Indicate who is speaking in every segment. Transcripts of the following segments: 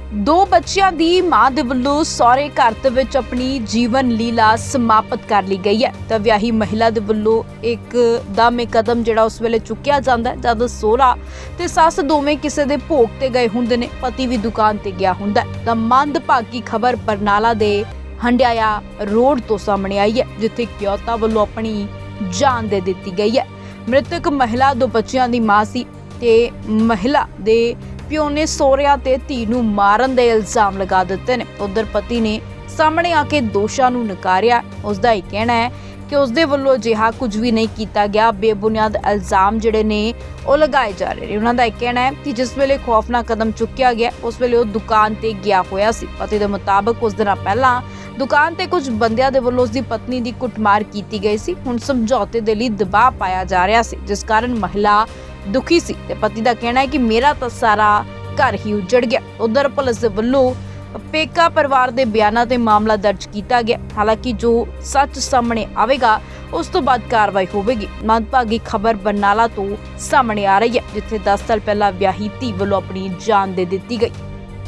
Speaker 1: ਦੋ ਬੱਚਿਆਂ ਦੀ ਮਾਂ ਦੇ ਵੱਲੋਂ ਸਹੁਰੇ ਘਰ ਦੇ ਵਿੱਚ ਆਪਣੀ ਜੀਵਨ ਲੀਲਾ ਸਮਾਪਤ ਕਰ ਲਈ ਗਈ ਹੈ ਤਾਂ ਵਿਆਹੀ ਮਹਿਲਾ ਦੇ ਵੱਲੋਂ ਇੱਕਦਮ ਇਹ ਕਦਮ ਜਿਹੜਾ ਉਸ ਵੇਲੇ ਚੁੱਕਿਆ ਜਾਂਦਾ ਹੈ ਜਦ ਸਹੁਰਾ ਤੇ ਸੱਸ ਦੋਵੇਂ ਕਿਸੇ ਦੇ ਭੋਗ ਤੇ ਗਏ ਹੁੰਦੇ ਨੇ, ਪਤੀ ਵੀ ਦੁਕਾਨ ਤੇ ਗਿਆ ਹੁੰਦਾ ਹੈ ਤਾਂ ਮੰਦਭਾਗੀ ਖਬਰ ਬਰਨਾਲਾ ਦੇ ਹੰਡਿਆਇਆ ਰੋਡ ਤੋਂ ਸਾਹਮਣੇ ਆਈ ਹੈ, ਜਿੱਥੇ ਕਿਉਤਾ ਵੱਲੋਂ ਆਪਣੀ ਜਾਨ ਦੇ ਦਿੱਤੀ ਗਈ ਹੈ। ਮ੍ਰਿਤਕ ਮਹਿਲਾ ਦੋ ਬੱਚਿਆਂ ਦੀ ਮਾਂ ਸੀ ਤੇ ਮਹਿਲਾ ਦੇ ਪਿਓ ਨੇ ਸਹੁਰਿਆਂ ਤੇ ਧੀ ਨੂੰ ਮਾਰਨ ਦੇ ਇਲਜ਼ਾਮ ਲਗਾ ਦਿੱਤੇ ਨੇ। ਉਧਰ ਪਤੀ ਨੇ ਸਾਹਮਣੇ ਆ ਕੇ ਦੋਸ਼ਾਂ ਨੂੰ ਨਕਾਰਿਆ। ਉਸ ਦਾ ਇਹ ਕਹਿਣਾ ਹੈ ਕਿ ਉਸ ਦੇ ਵੱਲੋਂ ਅਜਿਹਾ ਕੁਝ ਵੀ ਨਹੀਂ ਕੀਤਾ ਗਿਆ, ਬੇਬੁਨਿਆਦ ਇਲਜ਼ਾਮ ਜਿਹੜੇ ਨੇ ਉਹ ਲਗਾਏ ਜਾ ਰਹੇ ਨੇ। ਉਹਨਾਂ ਦਾ ਇਹ ਕਹਿਣਾ ਹੈ ਕਿ ਜਿਸ ਵੇਲੇ ਖੌਫਨਾਕ ਕਦਮ ਚੁੱਕਿਆ ਗਿਆ ਉਸ ਵੇਲੇ ਉਹ ਦੁਕਾਨ ਤੇ ਗਿਆ ਹੋਇਆ ਸੀ। ਪਤੀ ਦੇ ਮੁਤਾਬਕ ਉਸ ਦਿਨ ਪਹਿਲਾਂ ਦੁਕਾਨ ਤੇ ਕੁਝ ਬੰਦਿਆਂ ਦੇ ਵੱਲੋਂ ਉਸ ਦੀ ਪਤਨੀ ਦੀ ਕੁੱਟਮਾਰ ਕੀਤੀ ਗਈ ਸੀ। ਹੁਣ ਸਮਝੌਤੇ ਦੇ ਲਈ ਦਬਾਅ ਪਾਇਆ ਜਾ ਰਿਹਾ ਸੀ, ਜਿਸ ਕਾਰਨ ਮਹਿਲਾ ਦੁਖੀ ਸੀ ਤੇ ਪਤੀ ਦਾ ਕਹਿਣਾ ਹੈ ਕਿ ਮੇਰਾ ਤਾਂ ਸਾਰਾ ਘਰ ਹੀ ਉਜੜ ਗਿਆ। ਉਧਰ ਪੁਲਿਸ ਦੇ ਵੱਲੋਂ ਪੇਕਾ ਪਰਿਵਾਰ ਦੇ ਬਿਆਨਾਂ ਤੇ ਮਾਮਲਾ ਦਰਜ ਕੀਤਾ ਗਿਆ। ਹਾਲਾਂਕਿ ਜੋ ਸੱਚ ਸਾਹਮਣੇ ਆਵੇਗਾ ਉਸ ਤੋਂ ਬਾਅਦ ਕਾਰਵਾਈ ਹੋਵੇਗੀ। ਮੰਦਭਾਗੀ ਖਬਰ ਬਰਨਾਲਾ ਤੋਂ ਸਾਹਮਣੇ ਆ ਰਹੀ ਹੈ, ਜਿੱਥੇ 10 ਸਾਲ ਪਹਿਲਾਂ ਵਿਆਹੀ ਧੀ ਵੱਲੋਂ ਆਪਣੀ ਜਾਨ ਦੇ ਦਿੱਤੀ ਗਈ।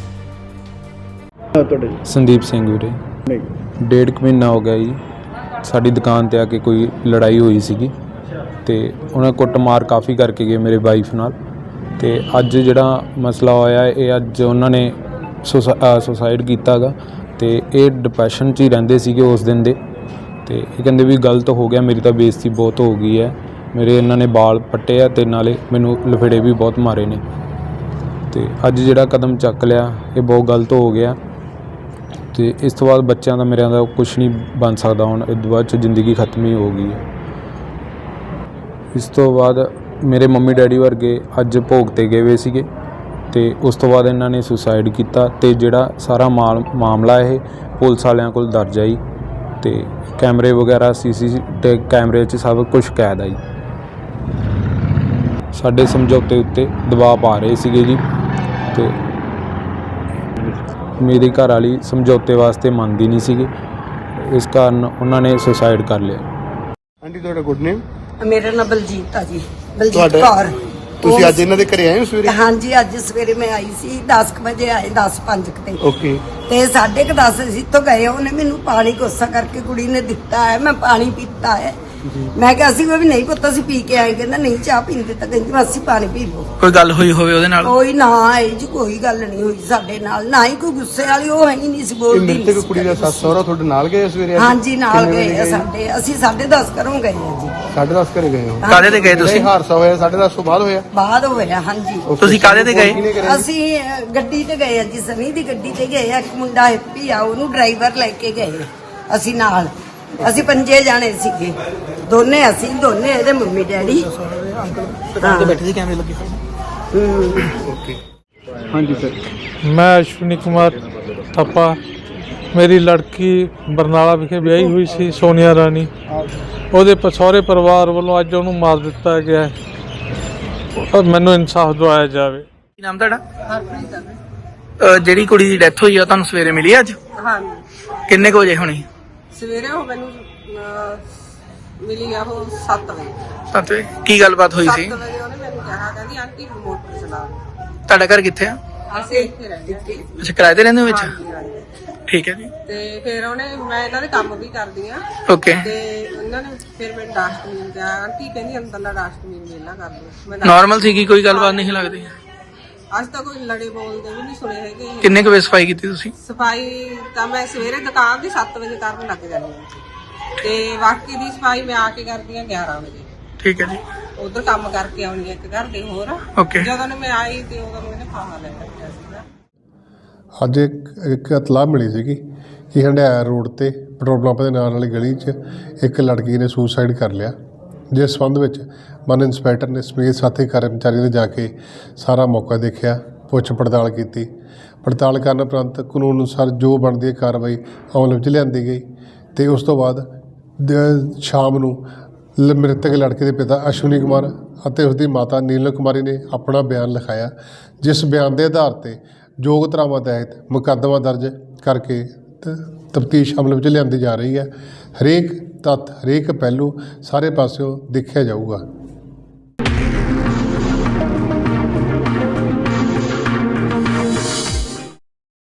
Speaker 2: ਸੰਦੀਪ ਸਿੰਘ ਵੀਰੇ, ਡੇਢ ਕੁ ਮਹੀਨਾ ਹੋ ਗਿਆ ਜੀ। ਸਾਡੀ ਦੁਕਾਨ ਤੇ ਆ ਕੇ ਕੋਈ ਲੜਾਈ ਹੋਈ ਸੀਗੀ ਤੇ ਉਹਨਾਂ ਕੁੱਟਮਾਰ ਕਾਫੀ ਕਰਕੇ ਗਏ ਮੇਰੇ ਵਾਈਫ ਨਾਲ। ਤੇ ਅੱਜ ਜਿਹੜਾ ਮਸਲਾ ਹੋਇਆ ਇਹ ਅੱਜ ਉਹਨਾਂ ਨੇ ਸੁਸਾਈਡ ਕੀਤਾ ਗਾ ਤੇ ਇਹ ਡਿਪਰੈਸ਼ਨ 'ਚ ਹੀ ਰਹਿੰਦੇ ਸੀਗੇ ਉਸ ਦਿਨ ਦੇ। ਤੇ ਇਹ ਕਹਿੰਦੇ ਵੀ ਗਲਤ ਹੋ ਗਿਆ, ਮੇਰੀ ਤਾਂ ਬੇਇੱਜ਼ਤੀ ਬਹੁਤ ਹੋ ਗਈ ਹੈ, ਮੇਰੇ ਇਹਨਾਂ ਨੇ ਵਾਲ ਪੱਟੇ ਆ ਤੇ ਨਾਲੇ ਮੈਨੂੰ ਲਫੇੜੇ ਵੀ ਬਹੁਤ ਮਾਰੇ ਨੇ। ਤੇ ਅੱਜ ਜਿਹੜਾ ਕਦਮ ਚੱਕ ਲਿਆ ਇਹ ਬਹੁਤ ਗਲਤ ਹੋ ਗਿਆ ਤੇ ਇਸ ਤੋਂ ਬਾਅਦ ਬੱਚਿਆਂ ਦਾ ਮੇਰਿਆਂ ਦਾ ਕੁਝ ਨਹੀਂ ਬਣ ਸਕਦਾ। ਹੁਣ ਇਸ ਤੋਂ ਬਾਅਦ 'ਚ ਜ਼ਿੰਦਗੀ ਖਤਮ ਹੀ ਹੋ ਗਈ ਹੈ। ਇਸ ਤੋਂ ਬਾਅਦ ਮੇਰੇ ਮੰਮੀ ਡੈਡੀ ਵਰਗੇ ਅੱਜ ਭੋਗ 'ਤੇ ਗਏ ਹੋਏ ਸੀਗੇ ਤੇ ਉਸ ਤੋਂ ਬਾਅਦ ਇਹਨਾਂ ਨੇ ਸੁਸਾਈਡ ਕੀਤਾ ਤੇ ਜਿਹੜਾ ਸਾਰਾ ਮਾਮਲਾ ਇਹ ਪੁਲਿਸ ਵਾਲਿਆਂ ਕੋਲ ਦਰਜ ਆਈ ਤੇ ਕੈਮਰੇ ਵਗੈਰਾ ਤੇ ਕੈਮਰੇ 'ਚ ਸਭ ਕੁਝ ਕੈਦ ਆਈ। ਸਾਡੇ ਸਮਝੌਤੇ ਉੱਤੇ ਦਬਾਅ ਪਾ ਰਹੇ ਸੀਗੇ ਜੀ ਤੇ ਮੇਰੀ ਘਰ ਵਾਲੀ ਸਮਝੌਤੇ ਵਾਸਤੇ ਮੰਨਦੀ ਨਹੀਂ ਸੀਗੀ, ਇਸ ਕਾਰਨ ਉਹਨਾਂ ਨੇ ਸੁਸਾਈਡ ਕਰ ਲਿਆ।
Speaker 3: ਆਂਟੀ ਤੁਹਾਡਾ ਗੁੱਡ ਨੇਮ?
Speaker 4: ਮੇਰਾ ਨਾਮ ਬਲਜੀਤ ਆ ਜੀ, ਬਲਜੀਤ ਕੌਰ।
Speaker 3: ਤੁਸੀਂ ਅੱਜ ਇਹਨਾਂ ਦੇ ਘਰੇ ਆਏ ਹੋ ਸਵੇਰੇ?
Speaker 4: ਹਾਂਜੀ, ਅੱਜ ਸਵੇਰੇ ਮੈਂ ਆਈ ਸੀ 10 ਵਜੇ ਆਏ, 10:05 ਤੇ।
Speaker 3: ਓਕੇ।
Speaker 4: ਤੇ 10:30 ਅਸੀਂ ਤੋਂ ਗਏ, ਉਹਨੇ ਮੈਨੂੰ ਪਾਣੀ ਕੋਸਾ ਕਰਕੇ ਕੁੜੀ ਨੇ ਦਿੱਤਾ ਹੈ, ਮੈਂ ਪਾਣੀ ਪੀਤਾ ਹੈ। ਮੈਂ ਕਿਹਾ ਅਸੀਂ ਵੀ ਨਹੀਂ ਪੁੱਤ ਅਸੀਂ ਪੀ ਕੇ ਆਏ, ਕਹਿੰਦਾ ਨਹੀਂ ਚਾਹ ਪੀਂਦੇ ਤਾਂ ਕਹਿੰਦੀ ਅਸੀਂ ਪਾਣੀ ਪੀ ਲਓ।
Speaker 5: ਕੋਈ ਗੱਲ ਹੋਈ ਹੋਵੇ ਉਹਦੇ ਨਾਲ?
Speaker 4: ਕੋਈ ਨਾ ਆਈ ਜੀ, ਕੋਈ ਗੱਲ ਨਹੀਂ ਹੋਈ ਸਾਡੇ ਨਾਲ, ਨਾ ਹੀ ਕੋਈ ਗੁੱਸੇ ਵਾਲੀ ਉਹ ਹੈ ਹੀ ਨਹੀਂ ਸੀ, ਬੋਲਦੀ ਨਹੀਂ ਸੀ।
Speaker 3: ਕੁੜੀ ਦਾ ਸੱਸ ਸਹੁਰਾ ਤੁਹਾਡੇ ਨਾਲ ਗਏ ਸਵੇਰੇ?
Speaker 4: ਹਾਂਜੀ ਨਾਲ ਗਏ ਆ ਸਾਡੇ, ਅਸੀਂ 10:30 ਘਰੋਂ ਗਏ ਆ ਜੀ।
Speaker 3: 10:30 ਘਰੇ ਗਏ ਹੋ?
Speaker 5: ਕਾਹਦੇ ਤੇ ਗਏ ਤੁਸੀਂ?
Speaker 3: ਹਾਦਸਾ ਹੋਇਆ 10:30 ਤੋਂ ਬਾਅਦ ਹੋਇਆ?
Speaker 4: ਬਾਅਦ ਹੋਇਆ ਹਾਂਜੀ।
Speaker 5: ਤੁਸੀਂ ਕਾਹਦੇ ਤੇ ਗਏ?
Speaker 4: ਅਸੀਂ ਗੱਡੀ ਤੇ ਗਏ ਆ ਜੀ, ਸਨੀ ਦੀ ਗੱਡੀ ਤੇ ਗਏ ਆ। ਇੱਕ ਮੁੰਡਾ ਹੈਪੀ ਆ, ਉਹਨੂੰ ਡਰਾਈਵਰ ਲੈ ਕੇ ਗਏ ਅਸੀਂ ਨਾਲ। ਅਸੀਂ 5 ਜਾਣੇ ਸੀਗੇ, ਦੋਨੇ ਅਸੀਂ, ਦੋਨੇ ਇਹਦੇ ਮੰਮੀ ਡੈਡੀ।
Speaker 5: ਦੁਕਾਨ ਤੇ ਬੈਠੇ ਸੀ, ਕੈਮਰੇ ਲੱਗੇ ਹੋਏ।
Speaker 3: ਓਕੇ। ਹਾਂਜੀ ਸਰ।
Speaker 6: मैं अश्विनी कुमार थप्पा, मेरी लड़की बरनाला विखे ब्याही हुई सी सोनिया रानी, ਉਹਦੇ ਸਹੁਰੇ ਪਰਿਵਾਰ ਵੱਲੋਂ ਅੱਜ ਉਹਨੂੰ ਮਾਰ ਦਿੱਤਾ ਗਿਆ ਹੈ। ਮੈਨੂੰ ਇਨਸਾਫ ਦਿਵਾਇਆ ਜਾਵੇ।
Speaker 5: ਕੀ ਨਾਮ ਤੁਹਾਡਾ? ਜਿਹੜੀ ਕੁੜੀ ਦੀ ਡੈਥ ਹੋਈ ਆ ਤੁਹਾਨੂੰ ਸਵੇਰੇ ਮਿਲੀ ਅੱਜ?
Speaker 7: ਹਾਂ,
Speaker 5: ਕਿੰਨੇ ਕੁ ਵਜੇ ਹੋਣੀ?
Speaker 7: ਸਵੇਰੇ ਉਹ ਮੈਨੂੰ ਮਿਲੀ ਆ ਉਹ 7 ਵਜੇ।
Speaker 5: 7 ਵਜੇ? ਕੀ ਗੱਲਬਾਤ ਹੋਈ ਸੀ?
Speaker 7: 7 ਵਜੇ ਉਹਨੇ ਮੈਨੂੰ ਕਿਹਾ, ਕਹਿੰਦੀ ਆਂਟੀ ਮੋਟਰ ਚਲਾ।
Speaker 5: ਤੁਹਾਡਾ ਘਰ ਕਿੱਥੇ ਆ?
Speaker 7: ਅਸੀਂ ਇੱਥੇ ਰਹਿੰਦੇ ਹਾਂ।
Speaker 5: ਅੱਛਾ, ਕਿਰਾਏ ਤੇ ਰਹਿੰਦੇ ਹੋ ਵਿੱਚ?
Speaker 7: ਹਾਂਜੀ, ਹਾਂਜੀ।
Speaker 5: ਠੀਕ ਹੈ ਜੀ।
Speaker 7: ਤੇ ਫਿਰ ਉਹਨੇ, ਮੈਂ ਇਹਨਾਂ ਦੇ ਕੰਮ ਵੀ ਕਰਦੀ ਆ
Speaker 5: ਓਕੇ।
Speaker 7: ਤੇ ਉਹਨਾਂ ਨੇ ਫਿਰ ਮੈਨੂੰ ਡਸਟਬਿਨ ਕਿਹਾ, ਆਂਟੀ ਕਹਿੰਦੀ ਅੰਦਰਲਾ ਡਸਟਬਿਨ ਵੇਲਾ ਕਰ ਲਓ।
Speaker 5: ਨਾਰਮਲ ਸੀਗੀ, ਕੋਈ ਗੱਲਬਾਤ ਨਹੀਂ ਲੱਗਦੀ?
Speaker 7: ਅੱਜ ਤੱਕ ਕੋਈ ਲੜੇ ਬੋਲਦੇ ਵੀ ਨਹੀਂ ਸੁਣੇ ਹੈਗੇ।
Speaker 5: ਕਿੰਨੇ ਕੁ ਵਜੇ ਸਫਾਈ ਕੀਤੀ ਤੁਸੀਂ?
Speaker 7: ਸਫਾਈ ਤਾਂ ਮੈਂ ਸਵੇਰੇ ਦੁਕਾਨ ਦੀ 7 ਵਜੇ ਕਰਨ ਲੱਗ ਜਾਂਦੀ ਹਾਂ ਤੇ ਬਾਕੀ ਦੀ ਸਫਾਈ ਮੈਂ ਆ ਕੇ ਕਰਦੀ ਹਾਂ 11 ਵਜੇ।
Speaker 5: ਠੀਕ ਹੈ ਜੀ।
Speaker 7: ਉਧਰ ਕੰਮ ਕਰਕੇ ਆਉਣੀ ਇੱਕ ਘਰ ਦੇ ਹੋਰ।
Speaker 5: ਓਕੇ।
Speaker 7: ਜਦੋਂ ਮੈਂ ਆਈ ਤੇ ਉਦੋਂ ਮੈंने ਖਾਣਾ ਲੈ ਲਿਆ ਸੀਗਾ।
Speaker 8: ਅੱਜ ਇੱਕ ਇਤਲਾਹ ਮਿਲੀ ਸੀਗੀ ਕਿ ਹੰਡਿਆਇਆ ਰੋਡ ਤੇ ਪੈਟਰੋਲ ਪੰਪ ਦੇ ਨਾਲ ਵਾਲੀ ਗਲੀ 'ਚ ਇੱਕ ਲੜਕੀ ਨੇ ਸੁਸਾਈਡ ਕਰ ਲਿਆ, ਜਿਸ ਸੰਬੰਧ ਵਿੱਚ ਮਨ ਇੰਸਪੈਕਟਰ ਨੇ ਸਮੇਤ ਸਾਥੀ ਕਰਮਚਾਰੀਆਂ ਨੇ ਜਾ ਕੇ ਸਾਰਾ ਮੌਕਾ ਦੇਖਿਆ, ਪੁੱਛ ਪੜਤਾਲ ਕੀਤੀ। ਪੜਤਾਲ ਕਰਨ ਉਪਰੰਤ ਕਾਨੂੰਨ ਅਨੁਸਾਰ ਜੋ ਬਣਦੀ ਕਾਰਵਾਈ ਅਮਲ ਵਿੱਚ ਲਿਆਂਦੀ ਗਈ ਤੇ ਉਸ ਤੋਂ ਬਾਅਦ ਸ਼ਾਮ ਨੂੰ ਮ੍ਰਿਤਕ ਲੜਕੇ ਦੇ ਪਿਤਾ ਅਸ਼ਵਨੀ ਕੁਮਾਰ ਅਤੇ ਉਸਦੀ ਮਾਤਾ ਨੀਲਮ ਕੁਮਾਰੀ ਨੇ ਆਪਣਾ ਬਿਆਨ ਲਿਖਾਇਆ, ਜਿਸ ਬਿਆਨ ਦੇ ਆਧਾਰ ਤੇ ਯੋਗ ਧਾਰਾਵਾਂ ਤਹਿਤ ਮੁਕੱਦਮਾ ਦਰਜ ਕਰਕੇ ਤਫਤੀਸ਼ ਅਮਲ ਵਿੱਚ ਲਿਆਂਦੀ ਜਾ ਰਹੀ ਹੈ। ਹਰੇਕ ਤੱਥ, ਹਰੇਕ ਪਹਿਲੂ ਸਾਰੇ ਪਾਸਿਓਂ ਦੇਖਿਆ ਜਾਊਗਾ।